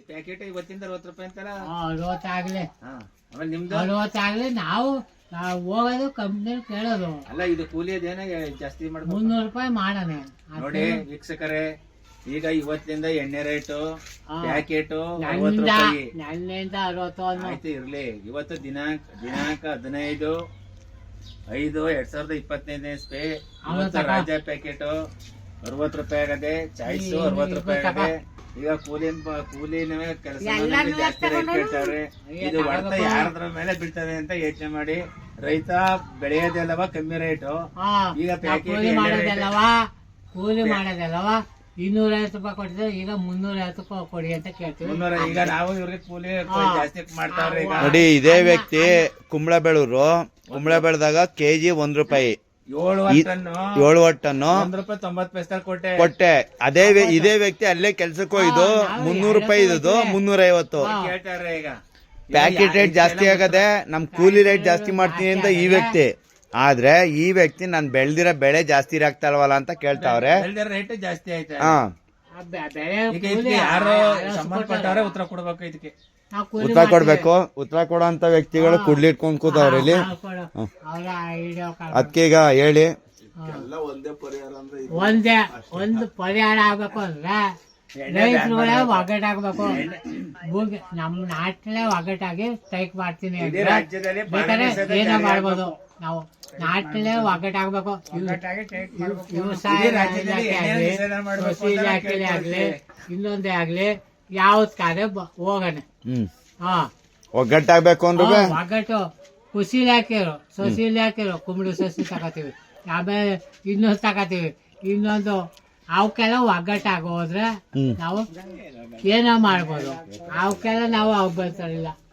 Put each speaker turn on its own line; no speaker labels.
Packet ಇವತ್ತಿಂದ 60 ರೂಪಾಯಿ ಅಂತಲ್ಲ.
60 ಆಗ್ಲಿ,
ಆಮೇಲೆ ನಿಮ್ದು
60 ಆಗ್ಲಿ. ನಾವು ಹೋಗೋದು ಕಂಪ್ನಿ ಕೇಳೋದು.
ಅಲ್ಲ ಇದು ಕೂಲಿ ಅದೇನ ಜಾಸ್ತಿ ಮಾಡ್ಬೋದು.
300 ರೂಪಾಯಿ ಮಾಡೋಣ
ನೋಡಿ ವೀಕ್ಷಕರೇ, ಈಗ ಇವತ್ತಿಂದ ಎಣ್ಣೆ ರೇಟು ಪ್ಯಾಕೆಟ್ 60
ನನ್ನಿಂದ
ರೂಪಾಯಿ
60
ಆಯ್ತು ಇರ್ಲಿ. ಇವತ್ತು ದಿನಾಂಕ 15/5/2025 ಇಸ್ವಿ. ಇವತ್ತು ರಾಜ ಪ್ಯಾಕೆಟ್ 60 ರೂಪಾಯಿ ಆಗದೆ, ಚಾಯ್ಸ್ 60 ರೂಪಾಯಿ ಆಗದೆ. ಈಗ ಕೂಲಿನವೇ ಕೆಲಸ ಜಾಸ್ತಿ ರೇಟ್ ಕೇಳ್ತಾವ್ರೆ. ಇದು ಹೊಡೆತ ಯಾರದ್ರ ಮೇಲೆ ಬೀಳ್ತದೆ ಅಂತ ಯೋಚನೆ ಮಾಡಿ. ರೈತ ಬೆಳೆಯೋದೆಲ್ಲವ ಕಮ್ಮಿ ರೇಟು. ಈಗ ಪ್ಯಾಕೆಟ್
ಕೂಲಿ ಮಾಡೋದಲ್ಲವಾ 250 ರೂಪಾಯಿ ಕೊಟ್ಟಿದ್ರೆ ಈಗ 350 ರೂಪಾಯಿ ಕೊಡಿ ಅಂತ ಕೇಳ್ತೀವಿ.
ಈಗ ನಾವು ಇವ್ರಿಗೆ ಕೂಲಿ ಜಾಸ್ತಿ ಮಾಡ್ತಾವ್ರೆ. ಈಗ
ನೋಡಿ, ಇದೇ ವ್ಯಕ್ತಿ ಕುಂಬಳಬೆಳೂರು. ಕುಂಬಳಬೆಳದಾಗ ಕೆಜಿ 1 ರೂಪಾಯಿ, 7 ಟನ್ನು
1 ರೂಪಾಯಿ
ಕೊಟ್ಟೆ. ಇದೇ ವ್ಯಕ್ತಿ ಅಲ್ಲೇ ಕೆಲ್ಸಕ್ಕೆ ಹೋಯ್ದು 300 ರೂಪಾಯಿ ಇದ್ದು 350.
ಕೇಳ್ತಾರೆ. ಈಗ
ಪ್ಯಾಕೆಟ್ ರೇಟ್ ಜಾಸ್ತಿ ಆಗದೆ, ನಮ್ ಕೂಲಿ ರೇಟ್ ಜಾಸ್ತಿ ಮಾಡ್ತೀನಿ ಅಂತ ಈ ವ್ಯಕ್ತಿ. ಆದ್ರೆ ಈ ವ್ಯಕ್ತಿ ನಾನ್ ಬೆಳ್ದಿರೋ ಬೆಳೆ ಜಾಸ್ತಿ ಇರಾಗ್ತಲ್ವಲ್ಲ ಅಂತ ಕೇಳ್ತಾವ್ರೆ.
ರೇಟ್ ಜಾಸ್ತಿ ಆಯ್ತು.
ಬೆಳೆ
ಯಾರು ಸಂಬಂಧಪಟ್ಟವ್ರೆ ಉತ್ತರ ಕೊಡ್ಬೇಕು. ಇದಕ್ಕೆ
ಉತ್ತರ ಕೊಡ್ಬೇಕು. ಉತ್ತರ ಕೊಡೋ ಅಂತ ವ್ಯಕ್ತಿಗಳು ಕುಡ್ಲಿಟ್ಕೊಂಡ್ ಕೂತವ್ರೆ ಇಲ್ಲಿ. ಅದಕ್ಕೆ ಈಗ ಹೇಳಿ,
ಒಂದು ಪರಿಹಾರ ಆಗ್ಬೇಕು ಅಂದ್ರೆ ರೈತರುಗಳೇ ಒಗ್ಗಟ್ಟಾಗ್ಬೇಕು. ನಮ್ ನಾಟ್ಲೇ ಒಗ್ಗಟ್ಟಾಗಿ ಸ್ಟ್ರೈಕ್ ಮಾಡ್ತೀನಿ ಅಂದ್ರೆ ಬೇಕಾದ್ರೆ ಏನೋ ಮಾಡ್ಬೋದು. ನಾವು ನಾಟ್ಲೇ ಒಗ್ಗಟ್ಟಾಗ್ಬೇಕು. ವ್ಯವಸಾಯ ಇಲಾಖೆಲೆ ಆಗ್ಲಿ, ಇನ್ನೊಂದೇ ಆಗ್ಲಿ, ಯಾವ್ದಕ್ಕಾದ್ರೆ ಹೋಗೋಣ.
ಒಗ್ಗಟ್ಟಾಗ್ಬೇಕು ಅಂದ್ರೆ
ಒಗ್ಗಟ್ಟು. ಕೃಷಿ ಇಲಾಖೆರು, ಸಸಿ ಇಲಾಖೆರು ಕುಂಬಳಿ ಸಸಿ ತಗೋತೀವಿ, ಆಮೇಲೆ ಇನ್ನೊಂದು ತಗೋತೀವಿ, ಇನ್ನೊಂದು ಅವಕ್ಕೆಲ್ಲ ಒಗ್ಗಟ್ಟಾಗೋದ್ರೆ ನಾವು ಏನೋ ಮಾಡ್ಬೋದು. ಅವಕ್ಕೆಲ್ಲ ನಾವು ಬರ್ತಾರಿಲ್ಲ.